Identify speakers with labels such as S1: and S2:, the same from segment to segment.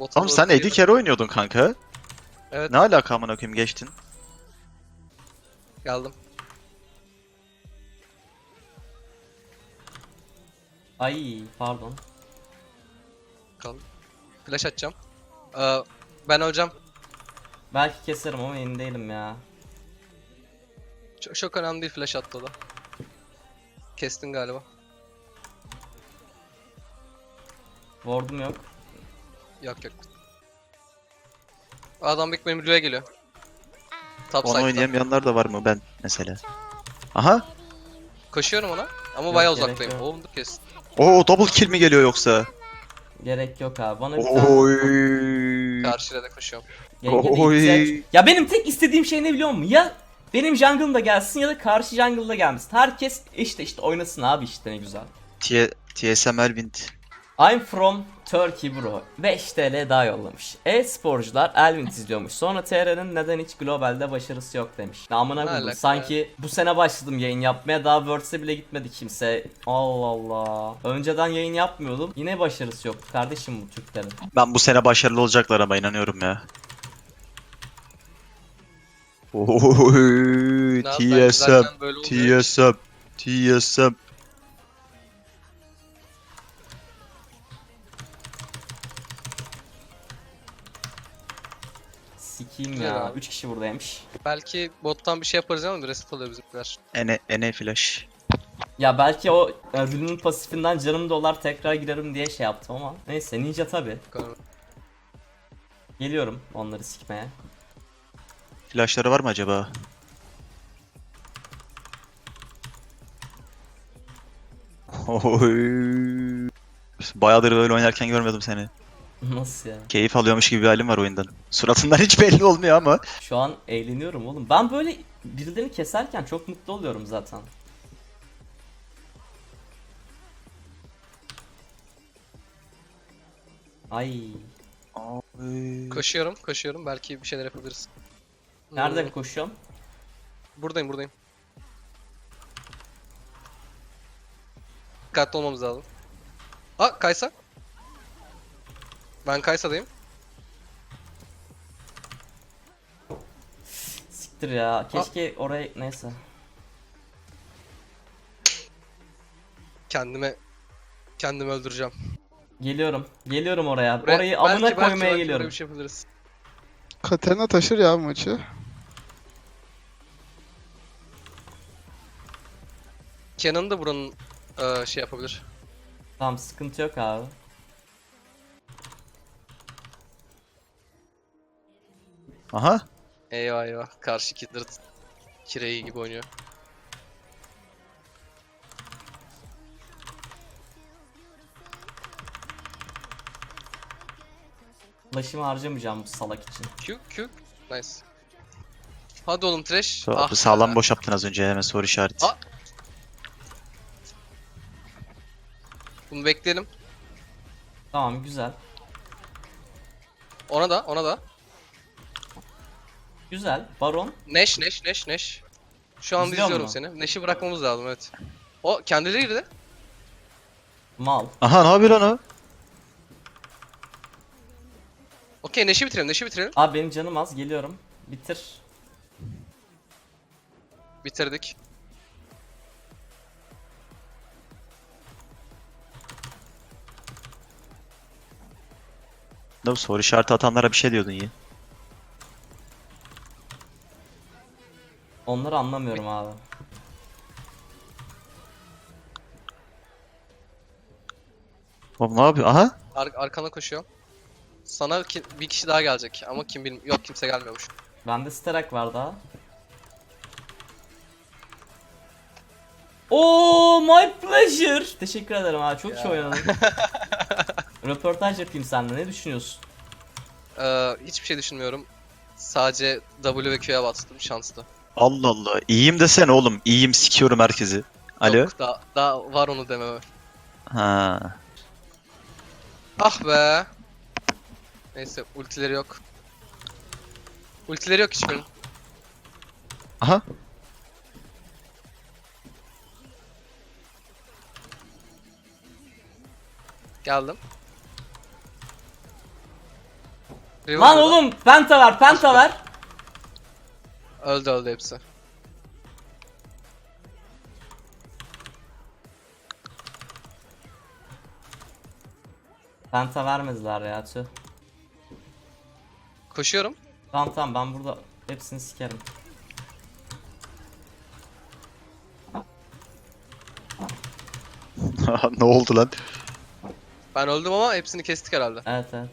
S1: Bota
S2: Oğlum
S1: doğru
S2: sen
S1: geliyor.
S2: AD carry oynuyordun kanka.
S1: Evet,
S2: Ne alaka amına koyayım geçtin?
S1: geldim.
S3: Ay pardon.
S1: Kaldım. Flash atacağım. Ben öleceğim.
S3: Belki keserim ama emin değilim ya.
S1: Çok önemli değil, flash attı o da. Kestin galiba.
S3: Ward'um yok.
S1: Yok yok. Adam Big benim Blue'ya geliyor. Top
S2: Onu
S1: side'da.
S2: oynayamayanlar da var mı ben mesela? Aha.
S1: Koşuyorum ona ama
S3: Yok,
S1: bayağı
S3: gerek
S1: uzaktayım.
S3: yok.
S1: Oğlum dur kes.
S2: Oo double kill mi geliyor yoksa?
S3: Gerek yok abi. Bana bir tane
S2: Oy.
S1: Karşıya da koşuyorum.
S3: genge de
S2: Oy.
S3: ihtiyaç. Ya benim tek istediğim şey ne biliyor musun? Ya benim jungle'ım da gelsin ya da karşı jungle'da gelmesin. Herkes işte oynasın abi işte ne güzel.
S2: TSM Elvind.
S3: I'm from Turkey bro. 5 TL daha yollamış. E-sporcular Elvin izliyormuş. Sonra TR'nin neden hiç globalde başarısı yok demiş. Namına
S1: Ne
S3: koydum.
S1: alaka
S3: Sanki bu sene başladım yayın yapmaya. Daha Worlds'e bile gitmedi kimse. Allah Allah. Önceden yayın yapmıyordum. Yine başarısı yoktu kardeşim bu Türklerin.
S2: Ben bu sene başarılı olacaklar ama inanıyorum ya. Oy.
S1: Ne yap, ben
S2: TSM.
S1: güzelken böyle oluyor.
S2: TSM. TSM.
S3: Sikiyim
S1: Güzel
S3: ya.
S1: abi.
S3: 3 kişi buradaymış.
S1: Belki bottan bir şey yaparız ama bir reset alıyor bizimkiler.
S2: NA flash.
S3: Ya belki o Rün'ün pasifinden canım dolar tekrar girerim diye şey yaptım ama. Neyse ninja tabi. Geliyorum onları sikmeye.
S2: Flashları var mı acaba? Oy. Bayağıdır böyle oynarken görmedim seni.
S3: Nasıl ya?
S2: Keyif alıyormuş gibi bir halim var oyundan. Suratından hiç belli olmuyor ama.
S3: Şu an eğleniyorum oğlum. Ben böyle birilerini keserken çok mutlu oluyorum zaten. Ay.
S1: Koşuyorum. Belki bir şeyler yapabiliriz.
S3: Nerede koşuyorum?
S1: Buradayım. Dikkatli olmamız lazım. Kaysa. Ben Kaysa'dayım.
S3: Siktir ya. Keşke oraya neyse.
S1: Kendimi öldüreceğim.
S3: Geliyorum oraya.
S1: Buraya-
S3: Orayı amına
S1: belki
S3: koymaya
S1: buraya
S3: geliyorum.
S1: bir şey yapabiliriz.
S4: Katerina taşır ya bu maçı.
S1: Kenan da buranın şey yapabilir.
S3: Tamam sıkıntı yok abi.
S2: Aha.
S1: Eyvah. Karşı Kindred kireyi gibi oynuyor.
S3: Flash'ımı harcamayacağım bu salak için.
S1: Q. Nice. Hadi oğlum trash.
S2: Sağlam
S1: be.
S2: boş yaptın az önce hemen soru işareti.
S1: Ah. Bunu bekleyelim.
S3: Tamam güzel.
S1: Ona da.
S3: Güzel. Baron.
S1: Neş. Şu anda
S3: İzliyor
S1: izliyorum
S3: mu?
S1: seni. Neş'i bırakmamız lazım, evet. O kendileri girdi.
S3: Mal.
S2: Aha ne yapıyor lan o?
S1: Okey, Neş'i bitirelim.
S3: Abi benim canım az geliyorum. Bitir.
S1: Bitirdik.
S2: Ne bu soru işareti atanlara bir şey diyordun ya.
S3: Onları anlamıyorum abi.
S2: Oğlum ne yapıyor? Aha.
S1: Arkana koşuyor. Sana bir kişi daha gelecek ama kim bilmiyorum. Yok, kimse gelmiyormuş.
S3: Bende Sterak var daha. Oo, my pleasure. Teşekkür ederim abi. Çok iyi oynadın. Röportaj yapayım seninle. Ne düşünüyorsun?
S1: Hiçbir şey düşünmüyorum. Sadece W ve Q'ya bastım, şanslı.
S2: Allah Allah. İyiyim desene oğlum. İyiyim sikiyorum herkesi. Alo.
S1: Yok, daha var onu dememe.
S2: Ha.
S1: Ah be. Neyse, ultileri yok. Ultileri yok hiçbirinin.
S2: Aha.
S1: Geldim. Riven
S3: Lan
S1: burada.
S3: oğlum penta ver, penta ver.
S1: Öldü hepsi.
S3: Penta vermediler ya tüh.
S1: Koşuyorum.
S3: Tamam tamam ben burada hepsini sikerim.
S2: Ne oldu lan?
S1: Ben öldüm ama hepsini kestik herhalde.
S3: Evet evet.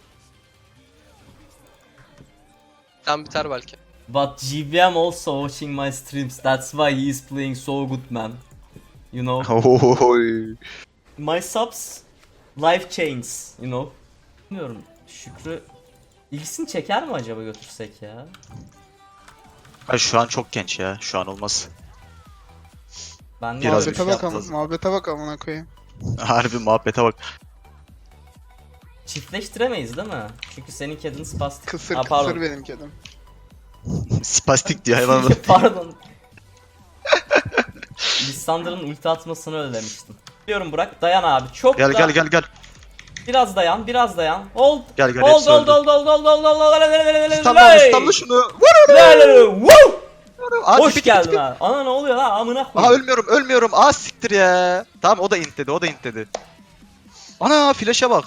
S1: Tam biter belki.
S3: But GBM also watching my streams. That's why he is playing so good, man. You know,
S2: Oy.
S3: my subs life changes, you know. Bilmiyorum. Şükrü ilgisini çeker mi acaba götürsek ya?
S2: Ay şu an çok genç ya. Şu an olmaz.
S3: Ben de
S2: Biraz
S3: abi-
S2: bir şey
S4: Muhabbete bak
S2: yapmaz.
S4: muhabbete bak amına koyayım.
S2: Harbi muhabbete bak.
S3: çiftleştiremeyiz değil mi? Çünkü senin kedin spastik.
S4: Kısır
S3: Aa, pardon.
S4: kısır benim kedim.
S2: Spastik diye hayvan.
S3: Pardon. Lissandra'nın ulti atmasını özlemiştim. Biliyorum Burak, dayan abi. Çok
S2: Gel
S3: da...
S2: gel gel gel.
S3: Biraz dayan, biraz dayan. Hold.
S2: Gel gel
S3: Hold,
S2: hepsi
S3: hold,
S2: öldü.
S3: hold, hold, hold, hold, hold, hold,
S2: İstanbul İstanbul şunu.
S3: Woo!
S2: Aa,
S3: Hoş
S2: tip,
S3: geldin
S2: tip, tip.
S3: abi. Ana ne oluyor lan amına
S2: Aa
S3: koyayım.
S2: ölmüyorum ölmüyorum. Aa siktir ya. Tamam o da int dedi o da int dedi. Ana flash'a bak.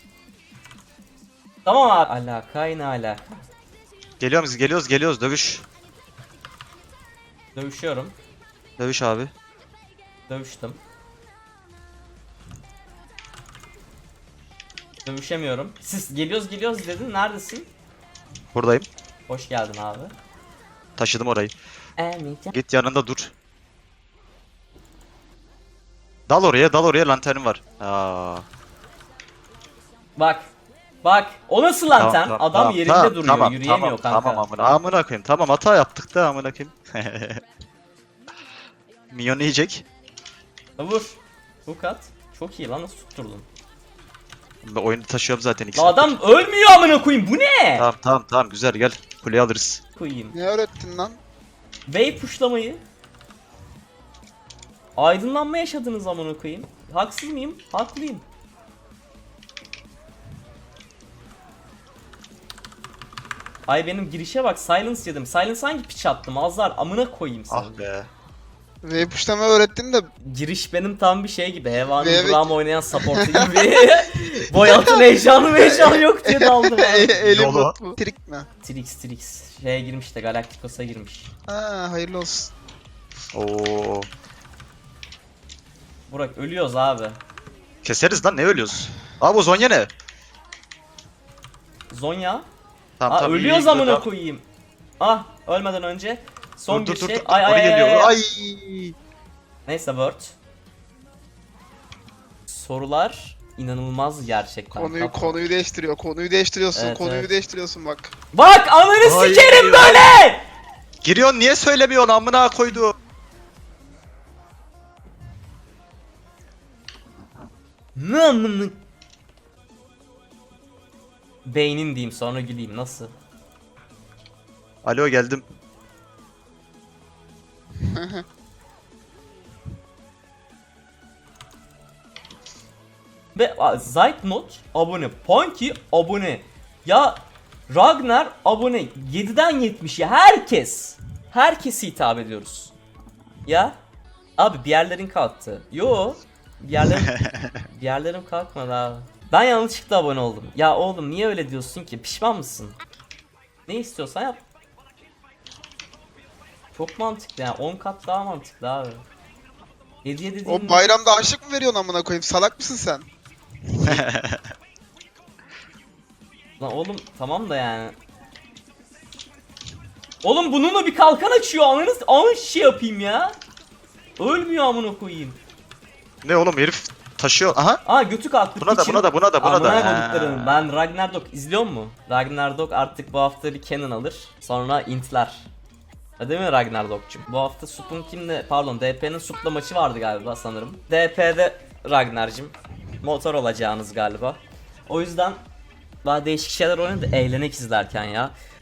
S3: Tamam abi. Alakay ne alaka?
S2: Geliyoruz dövüş.
S3: Dövüşüyorum.
S2: Dövüş abi.
S3: Dövüştüm. Dövüşemiyorum. Siz geliyoruz dedin. Neredesin?
S2: Buradayım.
S3: Hoş geldin abi.
S2: Taşıdım orayı. Git yanında dur. Dal oraya lanternim var. Aa.
S3: Bak. Bak. O nasıl lanten? Adam yerinde duruyor. Yürüyemiyor kanka.
S2: Tamam amına koyayım. Tamam hata yaptık da amına koyayım. Minyon yiyecek.
S3: Vur. Bu kat. Çok iyi lan, nasıl tutturdun?
S2: Ben oyunu taşıyorum zaten iki
S3: La
S2: saattir.
S3: adam ölmüyor amına koyayım. Bu ne?
S2: Tamam güzel gel. Kuleyi alırız.
S3: Koyayım.
S4: Ne öğrettin lan?
S3: Wave pushlamayı. Aydınlanma yaşadınız amına koyayım. Haksız mıyım? Haklıyım. Ay benim girişe bak, silence yedim. Silence hangi piç attım? Azlar amına koyayım seni.
S2: Ah be.
S4: Ve puşlama öğrettin de
S3: Giriş benim tam bir şey gibi. Hevanın
S4: Evet.
S3: Braum oynayan supportu gibi. Boyatın heyecanı yok diye daldım abi.
S4: elim
S2: Yolu.
S4: bot bu. Trik mi?
S3: Trix. Şeye girmiş de Galacticos'a girmiş.
S4: Ha hayırlı olsun.
S2: Oo.
S3: Burak ölüyoruz abi.
S2: Keseriz lan ne ölüyoruz? Abi o Zonya ne?
S3: Zonya.
S2: Tamam
S3: Aa
S2: iyi,
S3: ölüyoruz
S2: iyi,
S3: amına
S2: tamam.
S3: koyayım. Ah ölmeden önce son
S2: Dur,
S3: bir
S2: dur,
S3: şey.
S2: dur,
S3: Ay
S2: oraya
S3: ay
S2: geliyor.
S3: ay.
S2: Ay.
S3: Neyse word. Sorular inanılmaz gerçekten.
S4: Konuyu değiştiriyor. Konuyu değiştiriyorsun.
S3: Evet,
S4: konuyu
S3: evet.
S4: değiştiriyorsun bak.
S3: Bak ananı
S2: Ay.
S3: sikerim böyle.
S2: Giriyorsun niye söylemiyorsun amına koydu.
S3: Ne amına. Beynin diyeyim sonra güleyim nasıl?
S2: Alo geldim.
S3: Ve Zeitnot abone, Punky abone. Ya Ragnar abone 7'den 70'e herkes. Herkese hitap ediyoruz. Ya abi bir yerlerin kalktı. Yo bir yerlerim kalkmadı abi. Ben yanlışlıkla abone oldum. Ya oğlum niye öyle diyorsun ki? Pişman mısın? Ne istiyorsan yap. Çok mantıklı yani 10 kat daha mantıklı abi. Hediye dediğin
S4: O bayramda aşık mı veriyorsun amına koyayım? Salak mısın sen?
S3: Lan oğlum tamam da yani. Oğlum bununla bir kalkan açıyor ananız şey yapayım ya. Ölmüyor amına koyayım.
S2: Ne oğlum herif taşıyor. Aha.
S3: Aa götü kalktı.
S2: Buna da,
S3: piçin.
S2: buna da, buna da, buna da.
S3: Amına koyduklarım.
S2: Ha.
S3: Ben Ragnarok izliyor mu? Ragnarok artık bu hafta bir canon alır. Sonra intler. Ha, değil mi Ragnarok'cum? Bu hafta Sup'un kimle pardon DP'nin Sup'la maçı vardı galiba sanırım. DP'de Ragnar'cım motor olacağınız galiba. O yüzden daha değişik şeyler oynadı eğlenek izlerken ya.